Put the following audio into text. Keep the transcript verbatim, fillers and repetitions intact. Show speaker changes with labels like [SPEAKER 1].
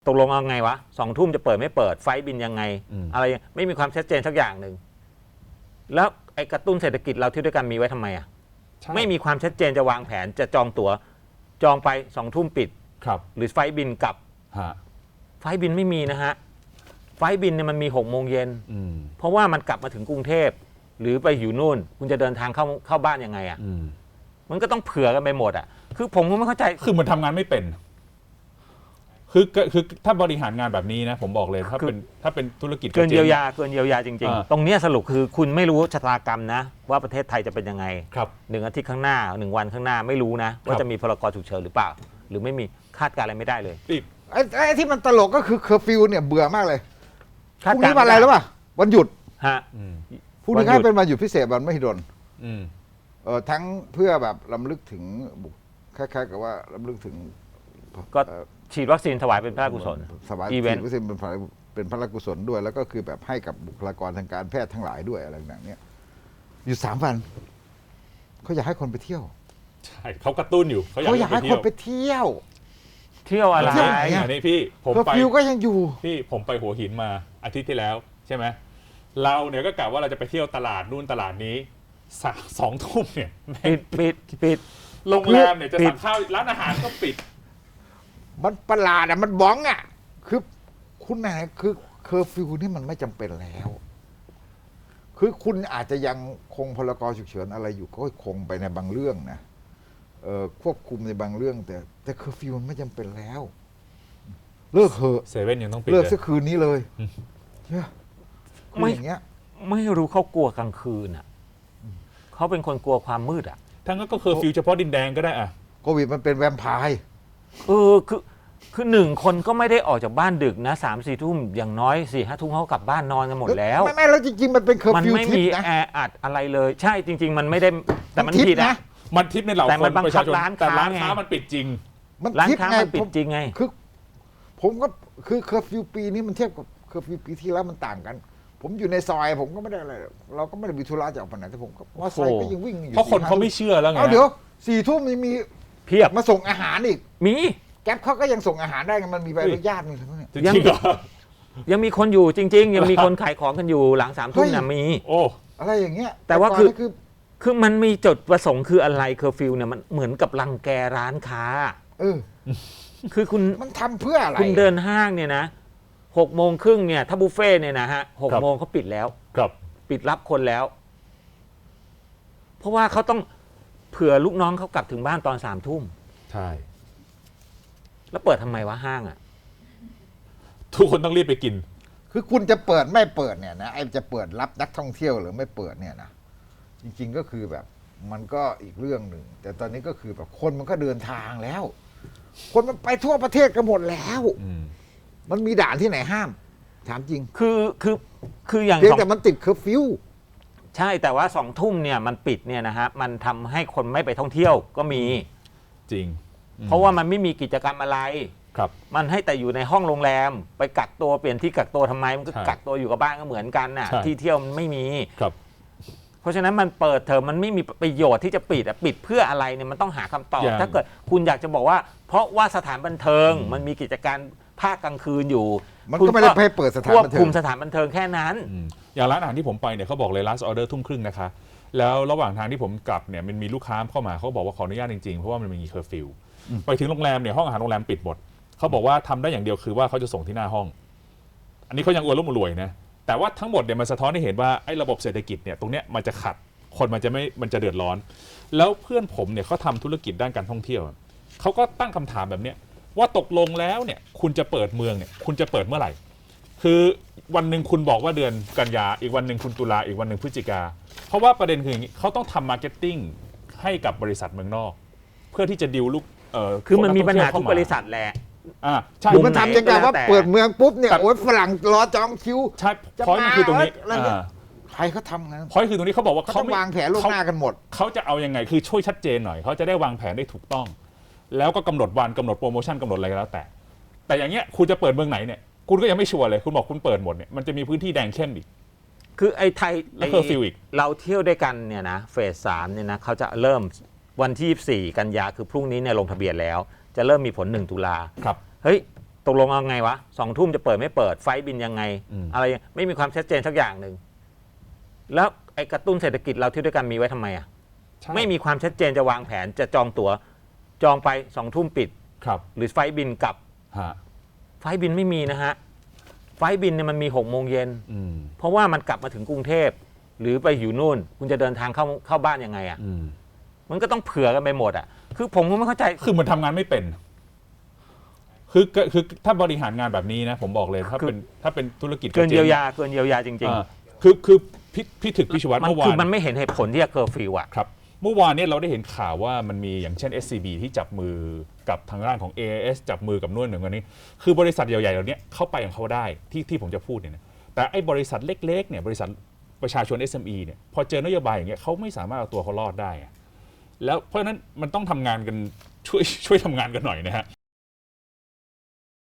[SPEAKER 1] ตกลงเอาไงวะสองทุ่มจะเปิดไม่เปิดไฟบินยังไงอะไรไม่มีความชัดเจนสักอย่างหนึ่งแล้วไอ้กระตุ้นเศรษฐกิจเราเที่ยวด้วยกันมีไว้ทำไมอ่ะไม่มีความชัดเจนจะวางแผนจะจองตั๋วจองไปสองทุ่มปิด
[SPEAKER 2] ครับ
[SPEAKER 1] หรือไฟบินกลับไฟบินไม่มีนะฮะไฟบินเนี่ยมันมีหกโมงเย็นเพราะว่ามันกลับมาถึงกรุงเทพหรือไปอยู่นู่นคุณจะเดินทางเข้าเข้าบ้านยังไงอ่ะมันก็ต้องเผื่อกันไปหมดอ่ะคือผมก็ไม่เข้าใจ
[SPEAKER 2] คือมันทำงานไม่เป็นคือคือถ้าบริหารงานแบบนี้นะผมบอกเลยถ้าเป็นถ้าเป็นธุรกิจ
[SPEAKER 1] เกินเยียวยาเกินเยียวยาจริงๆตรงนี้สรุปคือคุณไม่รู้ชะตากรรมนะว่าประเทศไทยจะเป็นยังไงหนึ่งอาทิตย์ข้างหน้าหนึ่งวันข้างหน้าไม่รู้นะว่าจะมีพรกฉุกเฉินหรือเปล่าหรือไม่มีคาดการอะไรไม่ได้เลย
[SPEAKER 3] ไอ้ไอ้ที่มันตลกก็คือเคอร์ฟิวเนี่ยเบื่อมากเลยพรุ่งนี้วันอะไรแล้วป่ะวันหยุด
[SPEAKER 1] ฮะ
[SPEAKER 3] พรุ่งนี้ก็เป็นวันหยุดพิเศษวันมหิดลเออทั้งเพื่อแบบรำลึกถึงคล้ายๆกับว่ารำลึกถึง
[SPEAKER 1] ก็ฉีดวัคซีนถวายเป็นพระราชกุศล
[SPEAKER 3] ถวายฉีดวัคซีนเป็นพระเป็นพระราชกุศลด้วยแล้วก็คือแบบให้กับบุคลากรทางการแพทย์ทั้งหลายด้วยอะไรต่างๆเนี่ยอยู่สามวันเขาอยากให้คนไปเที่ยว
[SPEAKER 2] ใช่เขากระตุ้นอยู่
[SPEAKER 3] เขาอยากให้คนไปเที่ยว
[SPEAKER 1] เที่ยวอะไร
[SPEAKER 2] อันนี้พี่ผมไป
[SPEAKER 3] ฟิวก็ยังอยู่
[SPEAKER 2] พี่ผมไปหัวหินมาอาทิตย์ที่แล้วใช่ไหมเราเนี่ยก็กะว่าเราจะไปเที่ยวตลาดนู่นตลาดนี้สองทุ่มเนี่ย
[SPEAKER 1] ปิดปิดปิด
[SPEAKER 2] โรงแรมเนี่ยจะสั่งข้าวร้านอาหารก็ปิด
[SPEAKER 3] มันประหลาดอ่ะมันบ้องอ่ะคือคุณไหนคือเคอร์ฟิวนี่มันไม่จำเป็นแล้วคือคุณอาจจะยังคงพรกฉุกเฉินอะไรอยู่ก็คงไปในบางเรื่องนะเอ่อควบคุมในบางเรื่องแต่แต่เคอร์ฟิวมันไม่จำเป็นแล้วเลิกเถอะ
[SPEAKER 2] เซเว่นยังต้องปิด
[SPEAKER 3] เลิกสักคืนนี้เลยเนี่ย
[SPEAKER 1] ไม่อย่างเงี้ยไม่รู้เขากลัวกลางคืนอ่ะเขาเป็นคนกลัวความมืดอ่ะ
[SPEAKER 2] ทั้งนั้นก็เคอร์ฟิวเฉพาะดินแดงก็ได้อ่ะ
[SPEAKER 3] โควิดมันเป็นแวมไพร์
[SPEAKER 1] เออคือคือหนึ่งคนก็ไม่ได้ออกจากบ้านดึกนะสามสี่ทุ่มอย่างน้อยสี่ห้าทุ่มเขากลับบ้านนอนกันหมดแล้ว
[SPEAKER 3] ไม่ไม่แล้วจริงๆมันเป็นเคอร์ฟิว
[SPEAKER 1] ทิปนะมันไม่มีแออัดอะไรเลยใช่จริงๆมันไม่ได้แต่มันผิดนะ
[SPEAKER 2] มันทิปในเหล่าคนประชาชนแต่ร้านค้ามันปิดจริง
[SPEAKER 1] ร้านค้ามันปิดจริงไง
[SPEAKER 3] คือผมก็คือเคอร์ฟิวปีนี้มันเทียบกับเคอร์ฟิวปีที่แล้วมันต่างกันผมอยู่ในซอยผมก็ไม่ได้อะไรเราก็ไม่ได้มีธุระจะออกไปไหนแต่ผมก็ว่าซอยก็ยังวิ่งอยู่
[SPEAKER 2] เพราะคนเขาไม่เชื่อแล้วไง
[SPEAKER 3] เอาเดี๋ยวสี่ทุ่มมี
[SPEAKER 1] เพียบ
[SPEAKER 3] มาส่งอาหารอีก
[SPEAKER 1] มี
[SPEAKER 3] แก๊ปเขาก็ยังส่งอาหารได้มันมีใบอนุญาตมีอะไรพวกนี้
[SPEAKER 1] ยังยังมีคนอยู่จริงๆยังมีคนขายของกันอยู่หลังสามทุ่มนะมี
[SPEAKER 2] โอ้
[SPEAKER 3] อะไรอย่างเงี้ย
[SPEAKER 1] แต่ว่าคือคือมันมีจุดประสงค์คืออะไรเคอร์ฟิวเนี่ยมันเหมือนกับรังแกร้านค้า
[SPEAKER 3] เออ
[SPEAKER 1] คือคุณ
[SPEAKER 3] มันทำเพื่ออะไร
[SPEAKER 1] คุณเดินห้างเนี่ยนะหกโมงครึ่งเนี่ยถ้าบุฟเฟ่เนี่ยนะฮะหกโมงเขาปิดแล้ว
[SPEAKER 2] ครับ
[SPEAKER 1] ปิดรับคนแล้วเพราะว่าเขาต้องเผื่อลูกน้องเขากลับถึงบ้านตอนสามทุ่ม
[SPEAKER 2] ใช่
[SPEAKER 1] แล้วเปิดทำไมวะห้างอ่ะ
[SPEAKER 2] ทุกคนต้องรีบไปกิน
[SPEAKER 3] คือคุณจะเปิดไม่เปิดเนี่ยนะไอ้จะเปิดรับนักท่องเที่ยวหรือไม่เปิดเนี่ยนะจริงๆก็คือแบบมันก็อีกเรื่องหนึ่งแต่ตอนนี้ก็คือแบบคนมันก็เดินทางแล้วคนมันไปทั่วประเทศกันหมดแล้วมันมีด่านที่ไหนห้ามถามจริง
[SPEAKER 1] คือคือคืออย่าง
[SPEAKER 3] เพียงแต่มันติดเคอร์ฟิว
[SPEAKER 1] ใช่แต่ว่าสองทุ่มเนี่ยมันปิดเนี่ยนะฮะมันทำให้คนไม่ไปท่องเที่ยวก็มี
[SPEAKER 2] จริง
[SPEAKER 1] เพราะว่ามันไม่มีกิจกรรมอะไร
[SPEAKER 2] ครับ
[SPEAKER 1] มันให้แต่อยู่ในห้องโรงแรมไปกักตัวเปลี่ยนที่กักตัวทำไมมันก็กักตัวอยู่กับบ้านก็เหมือนกันน่ะที่เที่ยวมันไม่มี
[SPEAKER 2] ครับ
[SPEAKER 1] เพราะฉะนั้นมันเปิดเทอมมันไม่มีประโยชน์ที่จะปิดอ่ะปิดเพื่ออะไรเนี่ยมันต้องหาคำตอบถ้าเกิดคุณอยากจะบอกว่าเพราะว่าสถานบันเทิงมันมีกิจการภาคกลางคืนอยู่
[SPEAKER 3] มันก็ไม่ได้ให้เปิดสถานบันเทิงควบ
[SPEAKER 1] คุมสถานบันเทิงแค่นั้น
[SPEAKER 2] อย่างร้านอาหารที่ผมไปเนี่ยเขาบอกเลย last order ทุ่มครึ่งนะคะแล้วระหว่างทางที่ผมกลับเนี่ยมันมีลูกค้าเข้ามาเขาบอกว่าขออนุญาตจริงๆเพราะว่ามันมีเคอร์ฟิวไปถึงโรงแรมเนี่ยห้องอาหารโรงแรมปิดหมดเขาบอกว่าทำได้อย่างเดียวคือว่าเขาจะส่งที่หน้าห้องอันนี้เขายังอวดร่ำรวยนะแต่ว่าทั้งหมดเนี่ยมันสะท้อนให้เห็นว่าไอ้ระบบเศรษฐกิจเนี่ยตรงเนี้ยมันจะขัดคนมันจะไม่มันจะเดือดร้อนแล้วเพื่อนผมเนี่ยเขาทำธุรกิจด้านการท่องเที่ยวเขาก็ตั้งคำถามแบบเนี้ยว่าตกลงแล้วเนี่ยคุณจะเปิดเมืองเนี่ยคุณจะเปิดเมื่อไหร่คือวันหนึ่งคุณบอกว่าเดือนกันยาอีกวันหนึ่งคุณตุลาอีกวันหนึ่งพฤศจิกาเพราะว่าประเด็นคืออย่างนี้เขาต้องทำมาร์เก็ตติ้งให้กับบริษัทเมืองนอกเพื่อที่จะดิวลูกเอ่อ
[SPEAKER 1] คือมันมีปัญหาทุกบริษัทแหละ
[SPEAKER 2] อ่าใช่
[SPEAKER 3] มันทำยังไงว่าเปิดเมืองปุ๊บเนี่ยโอ้ยฝรั่งรอจองคิว
[SPEAKER 2] ใช่พอยมันคือตรงนี้
[SPEAKER 3] ใครเขาทำงาน
[SPEAKER 2] พอยคือตรงนี้เขาบอกว่า
[SPEAKER 3] เขาวางแผนล่วงหน้ากันหมด
[SPEAKER 2] เขาจะเอายังไงคือช่วยชัดเจนหน่อยเขาจะได้วางแผนได้ถูกต้องแล้วก็กำหนดวันกำหนดโปรโมชั่นกำหนดอะไรก็แล้วแต่แต่อย่างเงี้ยคุณจะเปิดเมืองไหนเนี่ยคุณก็ยังไม่ชัวร์เลยคุณบอกคุณเปิดหมดเนี่ยมันจะมีพื้นที่แดงเข้มอีก
[SPEAKER 1] คือไอ้ไทย
[SPEAKER 2] แล้วเคอร์ฟิวอีก
[SPEAKER 1] เราเที่ยวด้วยกันเนี่ยนะเฟสสามเนี่ยนะเขาจะเริ่มวันที่ยี่สิบสี่กันยาคือพรุ่งนี้เนี่ยลงทะเบียนแล้วจะเริ่มมีผลหนึ่งตุลา
[SPEAKER 2] ครับ
[SPEAKER 1] เฮ้ยตกลงเอาไงวะสองทุ่มจะเปิดไม่เปิดไฟล์บินยังไง
[SPEAKER 2] อืม
[SPEAKER 1] อะไรไม่มีความชัดเจนสักอย่างหนึ่งแล้วไอ้กระตุ้นเศรษฐกิจเราที่ด้วยกันมีไว้ทำไมอ่ะ
[SPEAKER 2] ใช่
[SPEAKER 1] ไม่มีความชัดเจนจะวางแผนจะจองตั๋วจองไปสองทุ่มปิด
[SPEAKER 2] ครับ
[SPEAKER 1] หรือไฟล์บินกลับ
[SPEAKER 2] ฮะ
[SPEAKER 1] ไฟล์บินไม่มีนะฮะไฟล์บินเนี่ยมันมีหกโมงเย็น
[SPEAKER 2] อืม
[SPEAKER 1] เพราะว่ามันกลับมาถึงกรุงเทพหรือไปอยู่นู่น คุณจะเดินทางเข้าเข้าบ้านยังไงอ่ะ
[SPEAKER 2] อืม
[SPEAKER 1] มันก็ต้องเผื่อกันไปหมดอ่ะคือผมก็ไม่เข้าใจ
[SPEAKER 2] คือมันทำงานไม่เป็น คือคือคือถ้าบริหารงานแบบนี้นะ ผมบอกเลยถ้า
[SPEAKER 1] คือ
[SPEAKER 2] เป็นถ้าเป็นธุรกิจ
[SPEAKER 1] เกิน
[SPEAKER 2] จ๊ง
[SPEAKER 1] เยียวยาเกินเยียวยาจริง
[SPEAKER 2] อ่าคือคือพี่พี่ถึกพี่ชวัต
[SPEAKER 1] ๆ มัน
[SPEAKER 2] เมื่อวา
[SPEAKER 1] คือน มันไม่เห็นเหตุผลที่จะเคอร์ฟิวอ่ะ
[SPEAKER 2] ครับเมื่อวานเนี่ยเราได้เห็นข่าวว่ามันมีอย่างเช่น เอส ซี บี ที่จับมือกับทางด้านของ เอ เอส จับมือกับนู่นหนึ่งอันนี้ คือบริษัทใหญ่ๆเหล่านี้เข้าไปของเขาได้ที่ที่ผมจะพูดเนี่ยนะแต่ไอ้บริษัทเล็กๆเนี่ยบริษัทประชาชน เอส เอ็ม อี เนี่ยพอเจอนโยบายอย่างเงี้ยเขาไม่สามารถเอาตัวเขารอดได้อะแล้วเพราะฉะนั้นมันต้องทำงานกันช่วยช่วยทำงานกันหน่อยนะฮะ